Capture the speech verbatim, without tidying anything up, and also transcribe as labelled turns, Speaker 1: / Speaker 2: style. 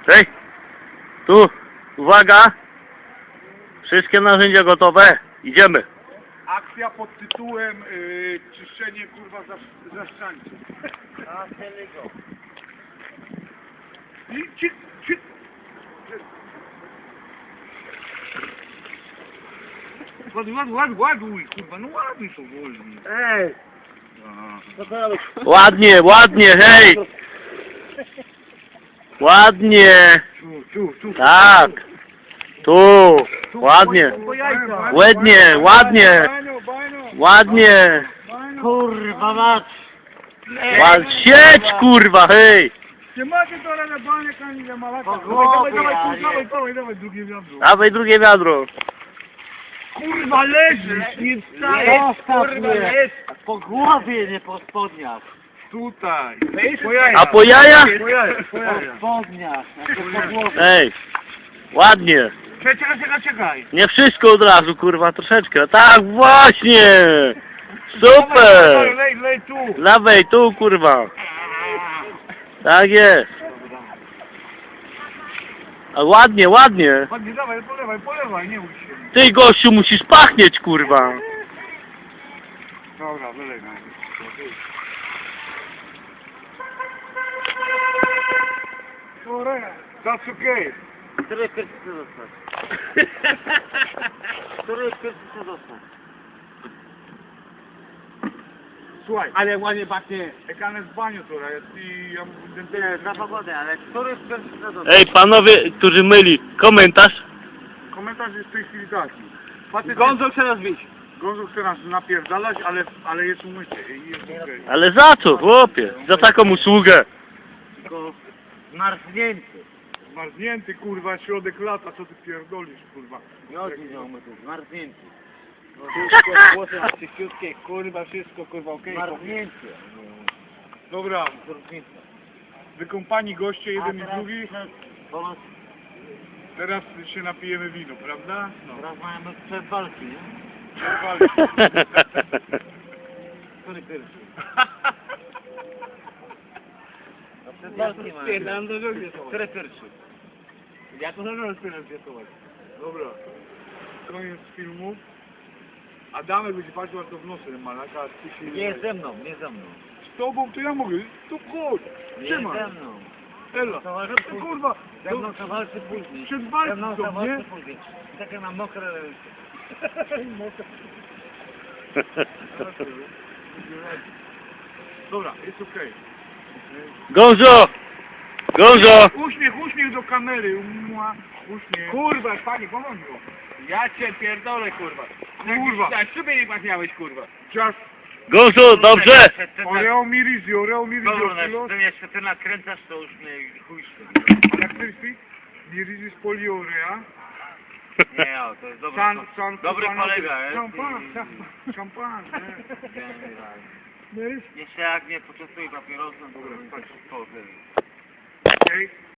Speaker 1: Hej! Tu! Uwaga! Wszystkie narzędzia gotowe. Idziemy.
Speaker 2: Akcja pod tytułem yy, czyszczenie kurwa zasz- zaszczańców.
Speaker 3: A, go.
Speaker 2: I ci, ci. Ładuj, ładuj, ładuj, ładuj, kurwa, no ładuj to wolniej.
Speaker 3: Ej!
Speaker 2: A.
Speaker 3: Co to robisz?
Speaker 1: Ładnie, ładnie, hej! Ładnie!
Speaker 2: Tu, tu, tu.
Speaker 1: Tak! Tu! Ładnie!
Speaker 2: Po jajca.
Speaker 1: Ładnie, ładnie!
Speaker 2: Baniu, baniu,
Speaker 1: Ładnie!
Speaker 2: baniu.
Speaker 3: Kurwa mać!
Speaker 1: Ład... Siedź, kurwa, hej!
Speaker 2: Nie macie to na banie, ani nie malaka.
Speaker 3: Po
Speaker 2: Dawaj, dawaj,
Speaker 3: głowie,
Speaker 2: dawaj,
Speaker 3: a
Speaker 2: tu,
Speaker 3: nie.
Speaker 2: dawaj, dawaj, dawaj, drugie wiadro.
Speaker 1: Dawaj drugie wiadro.
Speaker 2: Kurwa, leżysz, nie wstajesz,
Speaker 3: Zostaw
Speaker 2: kurwa,
Speaker 3: mnie!
Speaker 2: jest.
Speaker 3: Po głowie, nie po spodniach!
Speaker 2: Tutaj. Po jajach.
Speaker 1: A po jajach?
Speaker 2: Po jajach, po
Speaker 3: Po
Speaker 2: jajach.
Speaker 3: spodniach, znaczy po głowie.
Speaker 1: Ej! Ładnie!
Speaker 2: Czekaj, czekaj, czekaj, czekaj.
Speaker 1: Nie wszystko od razu, kurwa, troszeczkę. Tak, właśnie!
Speaker 2: Dawaj,
Speaker 1: Super!
Speaker 2: lej, lej tu.
Speaker 1: Dawaj tu, kurwa. Tak jest. A ładnie, ładnie.
Speaker 2: Chodź, dawaj, polewaj, polewaj, nie bój się.
Speaker 1: Ty, gościu, musisz pachnieć, kurwa.
Speaker 2: Dobra, wylewaj. That's okay.
Speaker 3: Który pierwszy chce dostać? Który pierwszy chce dostać?
Speaker 2: Słuchaj, ale ładnie pachnie. Jak on jest w baniu, to ja i ja
Speaker 3: Nie, za pogodę, ale który pierwszy chce dostać?
Speaker 1: Ej, panowie, którzy myli, komentarz.
Speaker 2: Komentarz jest w tej chwili taki. Facet
Speaker 3: Gonzo chce nas bić.
Speaker 2: Gonzo chce nas napierdalać, ale, ale jest umyty i jest okej.
Speaker 1: Ale za co, chłopie? Za taką usługę.
Speaker 3: Tylko zmarznięty.
Speaker 2: Zmarznięty, kurwa, środek lata, co ty pierdolisz, kurwa.
Speaker 3: Nie chodzi o umyty, zmarznięty.
Speaker 2: Wszystko, włosy na czyściutkie, kurwa, wszystko, kurwa, okej.
Speaker 3: Zmarznięty.
Speaker 2: Dobra,
Speaker 3: Różnica.
Speaker 2: wykąpani goście, jeden i
Speaker 3: A teraz-
Speaker 2: drugi.
Speaker 3: Bo
Speaker 2: Teraz się napijemy wino, prawda? No.
Speaker 3: teraz mamy przed walki, nie? Który pierwszy? No przed walki mamy.
Speaker 2: Spierdam do drogi.
Speaker 3: Który pierwszy?
Speaker 2: Ja to zaraz teraz zwiatować. Dobra. Koniec filmu. Adamek będzie patrzył, a to w nosem malaka, a ty się...
Speaker 3: Nie ze mną, nie ze mną.
Speaker 2: Z tobą to ja mogę. To chodź.
Speaker 3: Nie
Speaker 2: Trzymaj.
Speaker 3: ze mną.
Speaker 2: Ela.
Speaker 3: To walczy
Speaker 2: To
Speaker 3: później.
Speaker 2: kurwa.
Speaker 3: Ze mną to walczy później.
Speaker 2: Przed
Speaker 3: Ze
Speaker 2: walką
Speaker 3: mną
Speaker 2: to,
Speaker 3: to
Speaker 2: nie?
Speaker 3: walczy później. Takie mam mokre ręce.
Speaker 2: Dobra, jest okej.
Speaker 1: Gonzo! Gonzo!
Speaker 2: Uśmiech, uśmiech do kamery. Mua, uśmiech.
Speaker 4: Kurwa, panie, pomóż go. Ja cię pierdolę, kurwa.
Speaker 2: Kurwa.
Speaker 4: Tak, sobie nie pachniałeś, kurwa.
Speaker 2: Just
Speaker 1: Gonzo, dobrze!
Speaker 2: oreo mirizi, oreo mirizi.
Speaker 3: Dobra,
Speaker 2: kilo.
Speaker 3: ty mnie jeszcze ty nakręcasz, to już mnie chuj
Speaker 2: Jak ty śpi? Mirizi z poliorea.
Speaker 3: Nie, o, to jest dobry,
Speaker 2: San, san,
Speaker 3: dobry
Speaker 2: san-
Speaker 3: kolega, jest.
Speaker 2: Szampan,
Speaker 3: i-
Speaker 2: szampan, szampan. nie?
Speaker 3: Generalnie.
Speaker 2: Nie jest?
Speaker 3: Jeszcze jak mnie poczęstuje papierosem, to
Speaker 2: Dobra,
Speaker 3: jest
Speaker 2: patrz.
Speaker 3: po tym.
Speaker 2: Okej.